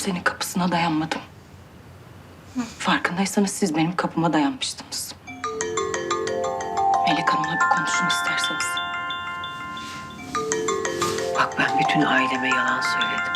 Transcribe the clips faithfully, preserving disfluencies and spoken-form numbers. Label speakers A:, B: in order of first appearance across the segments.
A: kimsenin kapısına dayanmadım. Farkındaysanız siz benim kapıma dayanmıştınız. Melek Hanım'la bir konuşun isterseniz.
B: Bak ben bütün aileme yalan söyledim.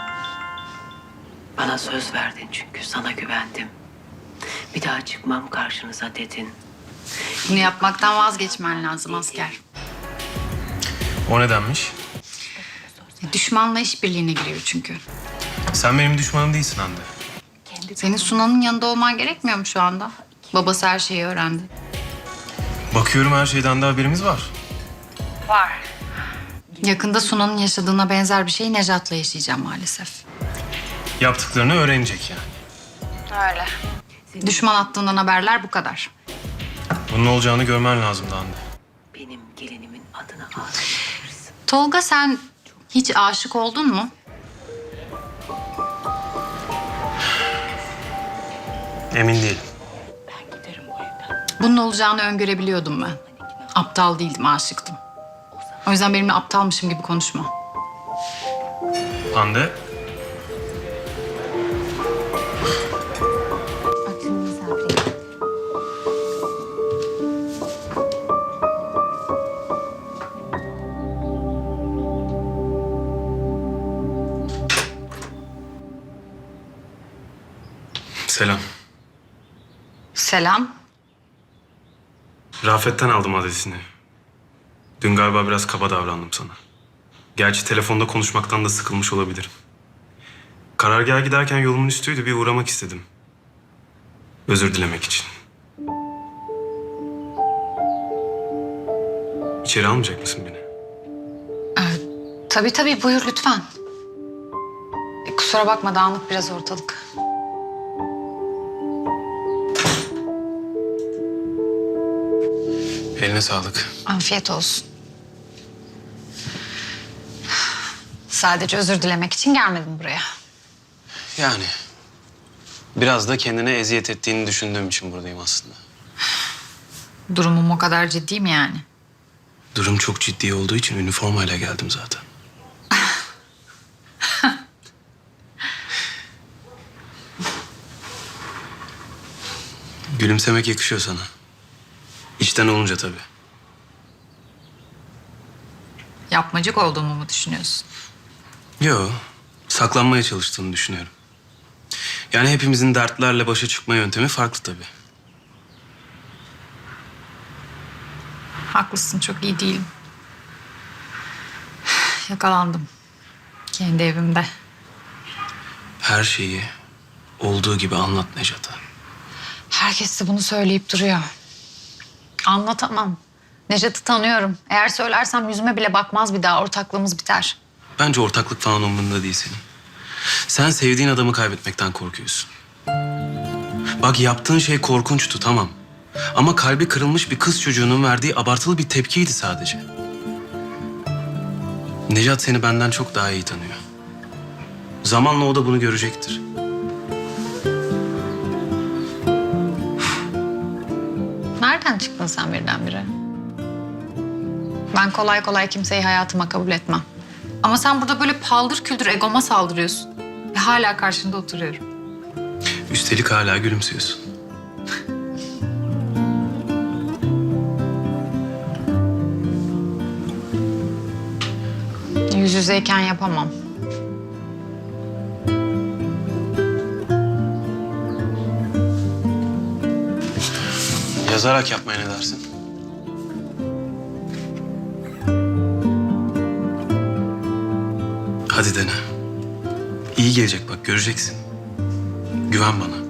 B: Bana söz verdin çünkü sana güvendim. Bir daha çıkmam karşınıza dedin.
C: Bunu yapmaktan vazgeçmen lazım asker.
D: O nedenmiş?
C: Düşmanla işbirliğine giriyor çünkü.
D: Sen benim düşmanım değilsin Hande.
C: Senin Sunan'ın yanında olman gerekmiyor mu şu anda? Babası her şeyi öğrendi.
D: Bakıyorum her şeyden de haberimiz var.
C: Yakında Sunan'ın yaşadığına benzer bir şeyi Nejat'la yaşayacağım maalesef.
D: Yaptıklarını öğrenecek yani.
C: Öyle. Düşman attığından haberler bu kadar.
D: Bunun olacağını görmen lazımdı Hande.
B: Benim gelinimin adını ağzına.
C: Tolga sen hiç aşık oldun mu?
D: Emin değilim.
A: Ben giderim bu evden.
C: Bunun olacağını öngörebiliyordum ben. Aptal değildim, aşıktım. O yüzden benimle aptalmışım gibi konuşma.
D: Hande, selam.
C: Selam.
D: Rafet'ten aldım adresini. Dün galiba biraz kaba davrandım sana. Gerçi telefonda konuşmaktan da sıkılmış olabilirim. Karargaha giderken yolumun üstüydü, bir uğramak istedim. Özür dilemek için. İçeri almayacak mısın beni?
C: Tabii tabii, buyur lütfen. E, kusura bakma, dağınık biraz ortalık.
D: Eline sağlık.
C: Afiyet olsun. Sadece özür dilemek için gelmedim buraya.
D: Yani biraz da kendine eziyet ettiğini düşündüğüm için buradayım aslında.
C: Durumum o kadar ciddi mi yani?
D: Durum çok ciddi olduğu için üniformayla geldim zaten. Gülümsemek yakışıyor sana. İçten olunca tabii.
C: Yapmacık olduğumu mu düşünüyorsun?
D: Yo, saklanmaya çalıştığını düşünüyorum. Yani hepimizin dertlerle başa çıkma yöntemi farklı tabii.
C: Haklısın, çok iyi değilim. Yakalandım. Kendi evimde.
D: Her şeyi olduğu gibi anlat Nejat'a.
C: Herkes de bunu söyleyip duruyor. Anlatamam. Nejat'ı tanıyorum. Eğer söylersem yüzüme bile bakmaz bir daha. Ortaklığımız biter.
D: Bence ortaklık falan umurunda değil senin. Sen sevdiğin adamı kaybetmekten korkuyorsun. Bak yaptığın şey korkunçtu tamam. Ama kalbi kırılmış bir kız çocuğunun verdiği abartılı bir tepkiydi sadece. Nejat seni benden çok daha iyi tanıyor. Zamanla o da bunu görecektir.
C: Nereden çıktın sen birdenbire? Ben kolay kolay kimseyi hayatıma kabul etmem. Ama sen burada böyle paldır küldür egoma saldırıyorsun. Ve hala karşında oturuyorum.
D: Üstelik hala gülümsüyorsun.
C: Yüz yüzeyken yapamam.
D: Yazarak yapmaya ne dersin? Hadi dene. İyi gelecek bak, göreceksin. Güven bana.